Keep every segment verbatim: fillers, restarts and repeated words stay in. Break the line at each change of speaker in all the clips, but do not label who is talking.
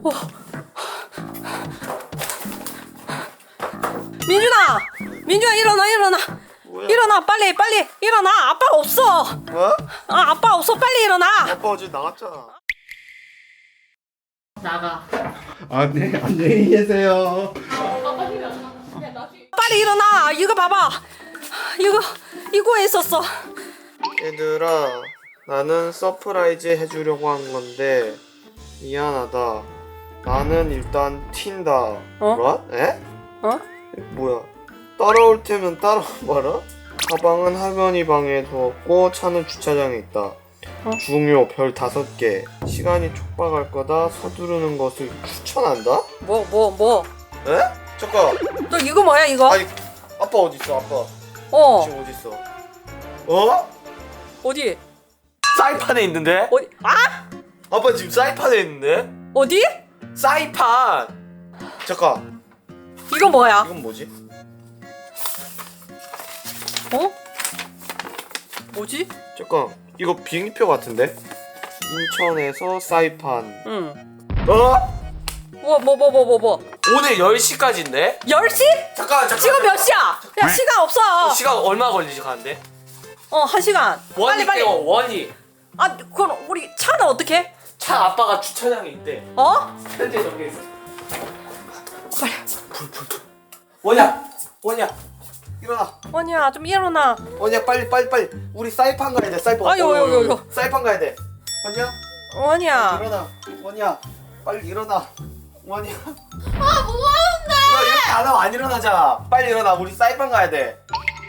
어. 민준아, 민준아 일어나 일어나.
뭐야?
일어나 빨리 빨리 일어나. 아빠 없어.
뭐?
아 아빠 없어 빨리 일어나.
아빠 어제 나갔잖아.
나가.
아, 네. 안녕히 계세요.
빨리 일어나. 이거 봐봐. 이거 이거에 있었어.
얘들아, 나는 서프라이즈 해주려고 한 건데 미안하다. 나는 일단 튄다.
어?
뭐야? 에?
어?
뭐야? 따라올 테면 따라와봐라. 가방은 할머니 방에 두었고 차는 주차장에 있다.
어?
중요 별 다섯 개. 시간이 촉박할 거다. 서두르는 것을 추천한다.
뭐 뭐 뭐?
에? 잠깐.
너 이거 뭐야 이거?
아니, 아빠 어디 있어? 아빠
어
지금 어디 있어? 어?
어디
사이판에 있는데?
어디 아
아빠 지금 사이판에 있는데?
어디?
사이판!
잠깐.
이거 뭐야?
이건 뭐지?
어? 뭐지?
잠깐. 이거 비행기표 같은데? 인천에서 사이판.
응.
어?
뭐 뭐 뭐 뭐 뭐 뭐?
오늘 열 시까지인데?
열 시?
잠깐 잠깐
지금 몇 시야? 야 시간 없어.
시간 얼마 걸리지 가는데?
어 한 시간.
원이
빨리 빨리.
깨워 원이
아 그럼 우리 차는 어떻게?
차 아빠가 주차장에 있대.
어?
현재 저기 있어.
빨리.
불불불 원이야 원이야 일어나.
원이야 좀 일어나.
원이야, 빨리 빨리 빨리. 우리 사이판 가야 돼. 사이판.
아유,
어,
아유,
어, 어.
아유.
사이판 가야 돼. 원이야?
원이야.
일어나. 원이야. 빨리 일어나. 원이야.
아 뭐하는데?
너 이렇게 안 하면 안 일어나잖아. 빨리 일어나. 우리 사이판 가야 돼.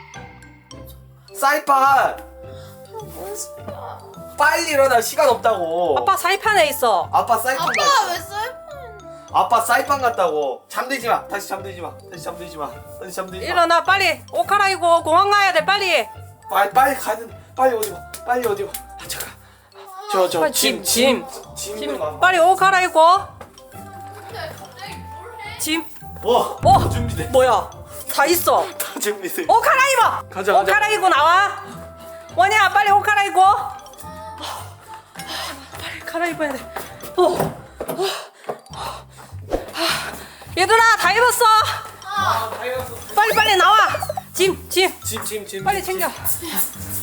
사이판.
뭔 소리야?
빨리 일어나. 시간 없다고.
아빠 사이판에 있어.
아빠 사이판 가.
아빠가 왜 쌀?
아빠 사이판 갔다고. 잠들지 마. 다시 잠들지 마. 다시 잠들지 마. 다시 잠들지 마.
일어나 빨리 옷 갈아입고 공항 가야 돼 빨리.
빨리 빨리 가는. 빨리 어디 가. 빨리 어디 가. 아, 잠깐. 저
빨리
저 짐
짐,
짐.
짐
짐.
빨리 옷 갈아입고.
근데 갑자기 뭘 해?
짐.
어.
어
준비돼.
뭐야? 다 있어.
다 준비돼.
옷 갈아입어.
가자,
옷
가자.
갈아입고 나와. 원이야 빨리 옷 갈아입고. 빨리 갈아입어야 돼. 어. 어. 아, 얘들아 다 입었어.
아, 다 익었어.
빨리 빨리 나와. 짐 짐.
짐, 짐, 짐.
빨리
짐,
챙겨.
짐.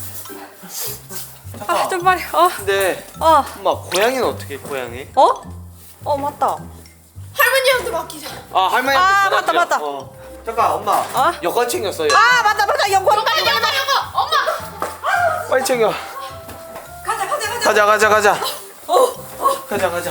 아 좀 빨리. 어.
근데
어.
엄마 고양이는 어떻게 해, 고양이?
어? 어 맞다.
할머니한테 맡기자.
아 할머니한테
아,
전화
맞다,
드려.
맞다.
어. 잠깐 엄마.
어?
여권 챙겼어요.
아 맞다 맞다 영권
빨리 빨리 빨리 이거 엄마.
빨리 챙겨.
가자 가자 가자.
가자 가자 가자.
어, 어.
가자 가자.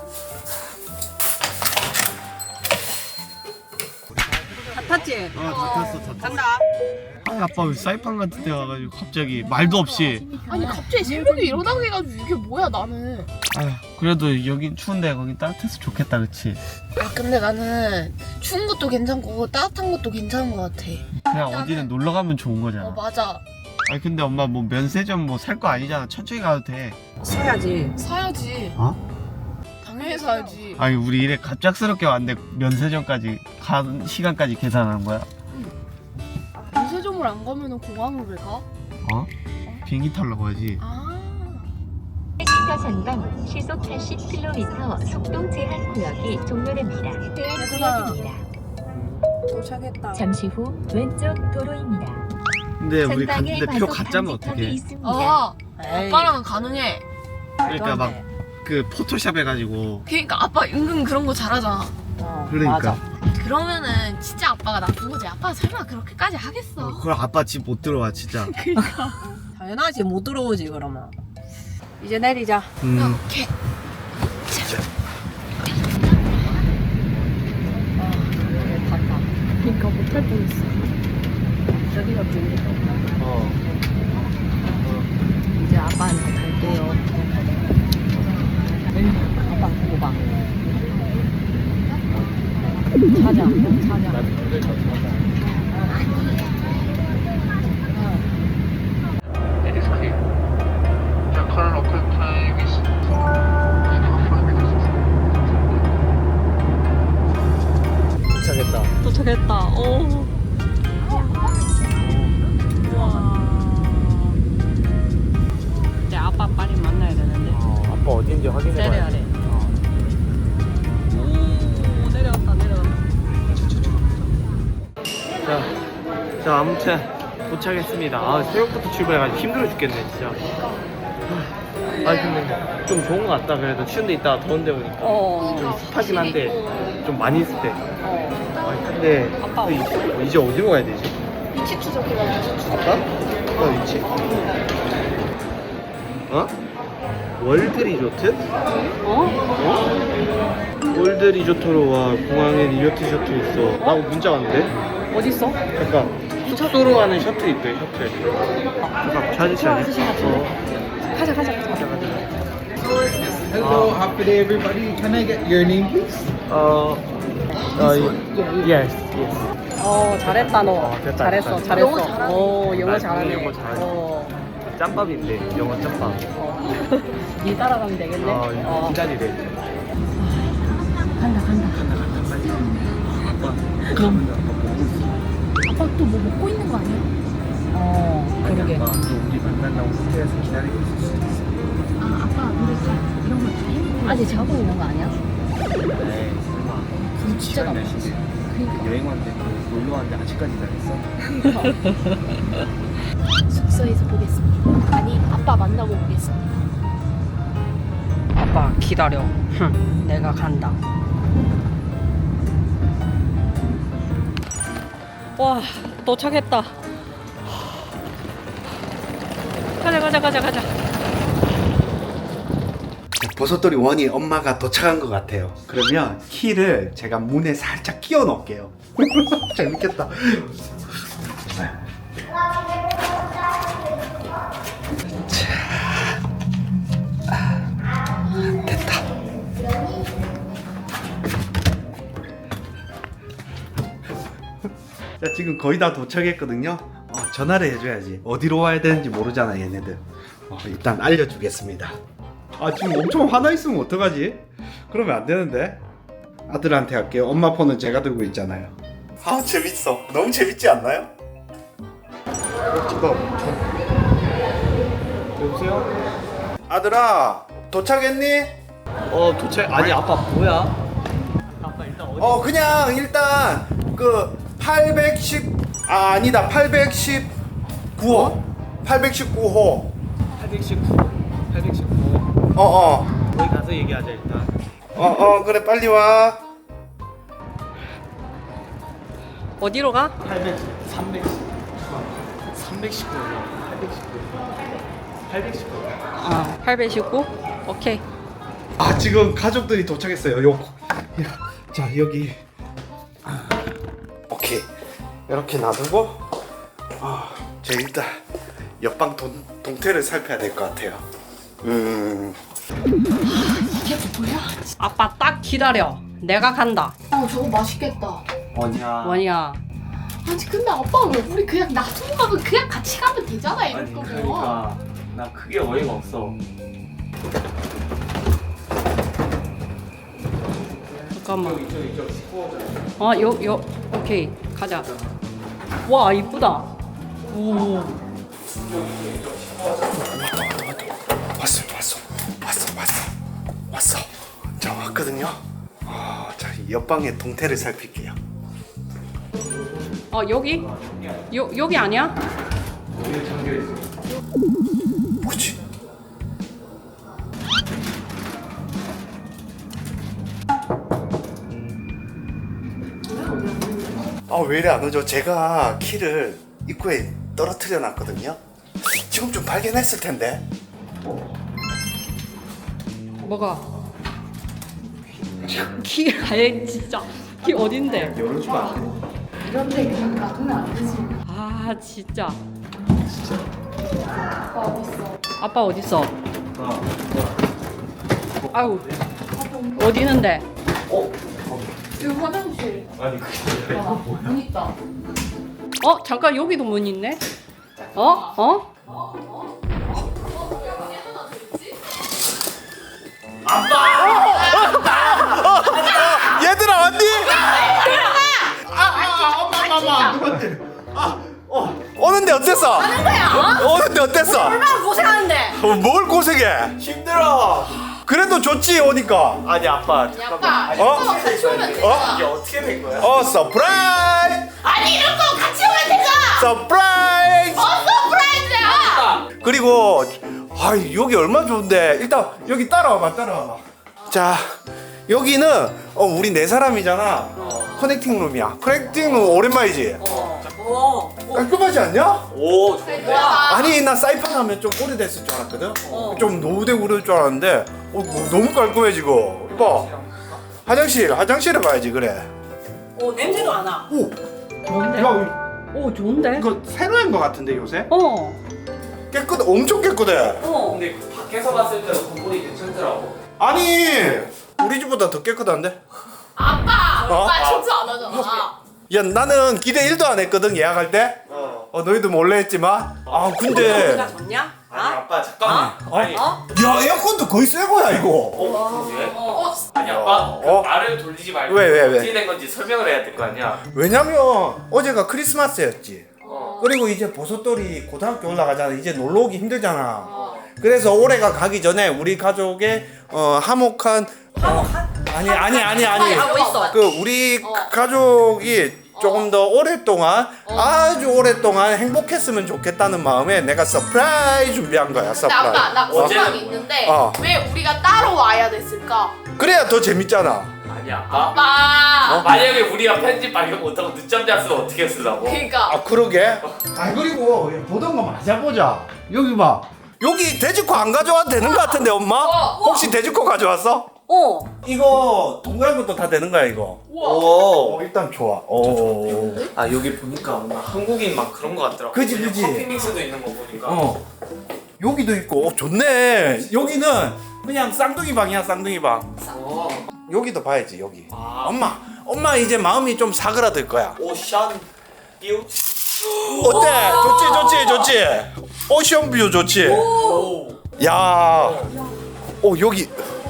다 탔지?
어, 다 탔어, 다 탔어.
간다.
아, 아빠 왜 사이판 같은 데 와가지고 갑자기 말도 없이.
아니 갑자기 새벽에 일어나게 해가지고 이게 뭐야 나는.
아휴, 그래도 여긴 추운데 거긴 따뜻해서 좋겠다, 그치?
아 근데 나는 추운 것도 괜찮고 따뜻한 것도 괜찮은 것 같아.
그냥 어디는 놀러 가면 좋은 거잖아.
어 맞아.
아니 근데 엄마 뭐 면세점 뭐 살 거 아니잖아. 천천히 가도 돼.
사야지.
사야지.
어?
당연히 사야지.
아니 우리 이래 갑작스럽게 왔는데 면세점까지 간 시간까지 계산하는 거야?
면세점을 안 가면은 공항을 왜 가?
어? 비행기 타려고 하지.
아.
시가 전방 시속 팔십 킬로미터 속도 제한 구역이 종료됩니다. 구역입니다.
도착했다.
잠시 후 왼쪽 도로입니다.
근데 우리
전방에
갔는데 표
과속
가짜면
방지턱이
어떡해?
있습니다.
아
에이.
아빠랑은 가능해.
그러니까 막 그 포토샵 해가지고.
그러니까 아빠 은근 그런 거 잘하잖아.
어,
그러니까.
맞아.
그러면은 진짜 아빠가 나쁜 거지. 아빠 설마 그렇게까지 하겠어?
어, 그걸 아빠 집 못 들어와 진짜.
당연하지 못 들어오지 그러면. 이제 내리자.
음.
오케이.
갔다.
그러니까 못할 뻔했어.
저기가 비행기가 없다.
어.
이제 아빠한테 갈게요. 아빠 보고 봐. 찾아, 찾아.
It is clear. The current local time is
도착했다.
도착했다. 오. 우와. 이제 아빠 빨리 만나야 되는데.
어, 아빠 어딘지 확인해봐야
내려야
돼.
돼.
자, 아무튼 도착했습니다. 아, 새벽부터 출발해가지고 힘들어 죽겠네 진짜. 아 근데 좀 좋은 것 같다. 그래도 추운데 있다가 더운데 오니까
어.
좀 습하긴 한데 좀 많이 있을 때.
어.
아 근데
아빠
이- 이제 어디로 가야 되지?
위치 추적해봐 위치 추적.
아빠? 아빠 위치? 어? 월드 리조트?
어?
어? 월드 리조트로 와. 공항에 리조트 셔틀 있어. 라고 문자 왔는데?
어딨어?
잠깐 숙소로 가는 셔틀 있대. 셔틀. 잠깐 찾으시
아저씨 같은데. 가자 가자 가자.
Hello, happy day, everybody. Can I get your name, please?
어... 어... yes, yes.
어 잘했다 너.
어, 됐다,
잘했어
됐다.
잘했어.
영어 잘하네.
어 영어
나
잘하네.
영어 잘하네.
어.
짬밥인데 영어 짬밥.
어. 니 따라가면 되겠네.
어,
어.
기다리래.
간다 간다. 아빠 또 뭐 먹고 있는 거 아니야?
어 그러게.
또 우리 만난다고 호텔에서 기다리고 있을 수도 있어.
아 아빠 근데 이런 거 다 해놓고
아직 자고 있는 거 아니야?
에이 설마.
그거 진짜
지난
나빠.
날씨인데
그러니까
여행 왔는데 또 놀러 왔는데 아직까지 기다렸어?
숙소에서 보겠습니다. 아니 아빠 만나고 보겠습니다.
아빠 기다려. 흠, 내가 간다. 와 도착했다. 가자 가자 가자 가자.
버섯돌이 원이 엄마가 도착한 것 같아요. 그러면 키를 제가 문에 살짝 끼워 넣을게요. 재밌겠다. 자, 아, 됐다. 자, 지금 거의 다 도착했거든요. 어, 전화를 해줘야지. 어디로 와야 되는지 모르잖아, 얘네들. 어, 일단 알려주겠습니다. 아, 지금 엄청 화나 있으면 어떡하지? 그러면 안 되는데. 아들한테 할게요. 엄마 폰은 제가 들고 있잖아요. 아, 재밌어. 너무 재밌지 않나요?
여보세요?
아들아, 도착했니?
어 도착. 아니 아빠 뭐야? 아빠 일단 어디?
어, 그냥 일단 그 팔백십 아, 아니다. 팔백십구 호. 팔백십구 호.
팔백십구. 팔백십구.
어, 어.
거기 가서 얘기하자 일단.
어, 어, 그래. 빨리 와.
어디로 가?
팔백, 삼백, 삼백십구, 팔백십구, 팔백십구.
아 팔백십구? 오케이.
아, 지금 가족들이 도착했어요. 요. 자, 여기. 아, 오케이. 이렇게 놔두고 아, 저 일단 옆방 동, 동태를 살펴야 될 것 같아요. 음.
이게 뭐야?
아빠 딱 기다려. 내가 간다.
어 저거 맛있겠다.
원이야.
원이야.
아니 근데 아빠 왜 우리 그냥 놔두고 가면 그냥 같이 가면 되잖아 이럴
아니
거면.
그러니까 나 크게 어이가 없어.
잠깐만.
이쪽 이쪽 십구 호잖아.
어, 요, 요, 오케이. 가자. 와, 이쁘다. 오.
왔어, 왔어, 왔어, 왔어, 왔어. 자, 왔거든요. 아, 자, 옆방의 동태를 살필게요.
어, 여기? 요, 여기 아니야?
여기 잠겨 있어.
뭐지? 아, 왜 이래 안 오죠? 제가 키를 입구에 떨어뜨려 놨거든요. 지금 좀 발견했을 텐데.
뭐가? 키, 아예 진짜. 키 어딘데?
열어주면 안 돼?
이런데 그냥 놔두면 안 되지.
아, 진짜.
아빠 어딨어?
아빠 어딨어?
아,
아우, 어디 있는데?
여기 화장실.
아니 그게
아, 문 있다.
어, 잠깐, 여기도 문 있네? 어? 어?
얘들아, 왔니? 아, 아, 엄마, 엄마, 누구한테? 아, 어, 오는데 어땠어? 하는 거야. 오는데 어땠어?
얼마나 고생하는데?
어, 뭘 고생해?
힘들어.
그래도 좋지 오니까.
아니 아빠 잠깐만.
아빠,
어?
아빠가 같이 오면 돼.
어?
이게 어떻게 된 거야?
어, 서프라이즈.
아니 이런 거 같이 오면 되잖아.
서프라이즈.
어 서프라이즈야.
그리고 아 여기 얼마나 좋은데. 일단 여기 따라와봐 따라와봐. 자 여기는 어, 우리 네 사람이잖아. 커넥팅 룸이야. 커넥팅 룸 오랜만이지?
어.
깔끔하지 않냐?
오 좋은데?
아니 나 사이판 하면 좀 오래됐을 줄 알았거든? 좀 노후되고 그럴 줄 알았는데 어, 뭐, 너무 깔끔해 지금. 이봐 화장실 화장실에 가야지 그래.
오 냄새도 안 나.
오!
좋은데?
야
오 좋은데?
이거 새로 한 거 같은데 요새?
어.
깨끗 엄청 깨끗해.
어.
근데 밖에서 봤을 때는 건물이 괜찮더라고.
아니 우리 집보다 더 깨끗한데?
아빠
어?
아빠 청소 안 하잖아.
야 나는 기대 일도 안 했거든 예약할 때.
어.
어 너희도 몰래 했지만. 아 근데
우리가 좋냐?
아니 아빠 잠깐만.
어?
아니.
어?
야 에어컨도 거의 새 거야 이거.
어? 그게?
어
아니 아빠 그
어?
말을 돌리지 말고
왜, 왜, 왜?
어떻게 된 건지 설명을 해야 될 거 아니야.
왜냐면 어제가 크리스마스였지.
어.
그리고 이제 버섯돌이 고등학교 올라가잖아. 이제 놀러 오기 힘들잖아. 그래서 올해가 가기 전에 우리 가족의 어, 화목한 화목한? 아니 아니 아니 아니.
하고 있어.
그 우리 가족이 조금 더 오랫동안 아주 오랫동안 행복했으면 좋겠다는 마음에 내가 서프라이즈 준비한 거야.
근데
서프라이즈.
아빠 나
어제는
궁금한 게 있는데
어.
왜 우리가 따로 와야 됐을까?
그래야 더 재밌잖아.
아니 아빠.
아빠
어? 만약에 우리가 편집 발견 못하고 늦잠 잤으면 어떻게 쓰라고?
그러니까
아 그러게. 아 그리고 보던 거 맞아보자. 여기 봐. 여기 돼지코 안 가져와도 되는 거 같은데 엄마? 혹시 돼지코 가져왔어?
어.
이거 동그란 것도 다 되는 거야 이거.
오.
어, 일단 좋아. 오.
아 여기 보니까 뭔가 한국인 막 그런 거 같더라고.
그지,
그냥
그지.
커피 믹스도 있는 거 보니까.
어. 여기도 있고. 어, 좋네. 여기는 그냥 쌍둥이 방이야 쌍둥이 방.
어.
여기도 봐야지 여기.
아.
엄마. 엄마 이제 마음이 좀 사그라들 거야.
오션 뷰.
어때? 좋지 좋지 좋지. 오션 뷰 좋지.
오.
야. 오 여기.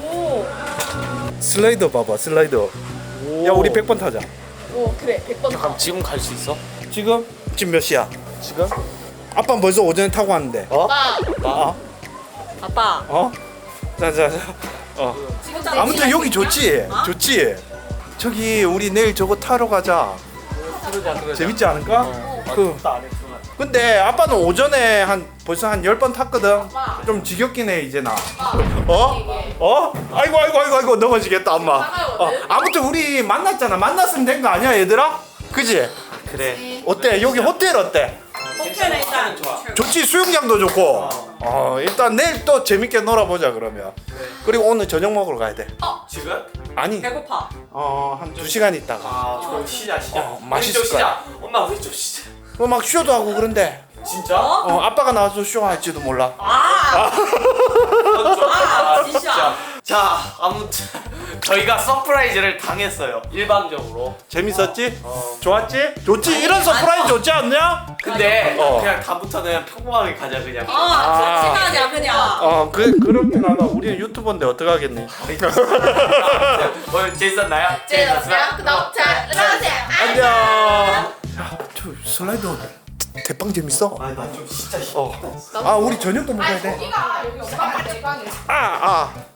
슬라이더 봐봐 슬라이더. 야 우리 백 번 타자.
어 그래 백 번
그럼 지금 갈 수 있어?
지금? 지금 몇 시야? 지금? 아빠는 벌써 오전에 타고 왔는데. 어?
아빠
어?
아빠.
어? 자자자. 어. 아무튼 여기 좋지. 좋지. 저기 우리 내일 저거 타러 가자.
그러자 그러자.
재밌지 않을까? 그.
그. 안 했구나.
근데 아빠는 오전에 한 벌써 한 열 번 탔거든. 좀 지겹긴 해 이제 나. 어? 어? 아이고 아이고 아이고 아이고 넘어지겠다 엄마. 어. 아무튼 우리 만났잖아. 만났으면 된 거 아니야 얘들아? 그지?
그래.
어때? 여기 호텔 어때?
호텔에 일단
좋아.
좋지 수영장도 좋고. 어 일단 내일 또 재밌게 놀아보자 그러면. 그리고 오늘 저녁 먹으러 가야 돼.
지금?
아니
배고파.
어한 두 시간 있다가.
아, 좀 쉬자 쉬자.
어,
우리
맛있을
좀 쉬자. 엄마 우리 좀 쉬자.
뭐 막 쇼도 하고 그런데.
진짜?
어 아빠가 나와서 쇼 할지도 몰라.
아.
그건 좀-
아,
아,
진짜.
자 아무튼 저희가 서프라이즈를 당했어요. 일방적으로.
재밌었지?
어.
좋았지? 좋지?
아니,
이런 서프라이즈
아니요.
좋지 않냐?
근데
어.
그냥 다음부터는 평범하게 가자 그냥.
아, 친하자 그냥.
어 그, 그렇게 나가 우리는 유튜버인데 어떡하겠니.
오늘 재밌었나요?
재밌었어요? 구독 잘 눌러주세요.
안녕. 야저 슬라이더 대빵 재밌어.
아나 좀 진짜
어. 아 우리 저녁도 먹어야 돼.
여기가 여기 엄마 아빠 내 방이야.
아 아.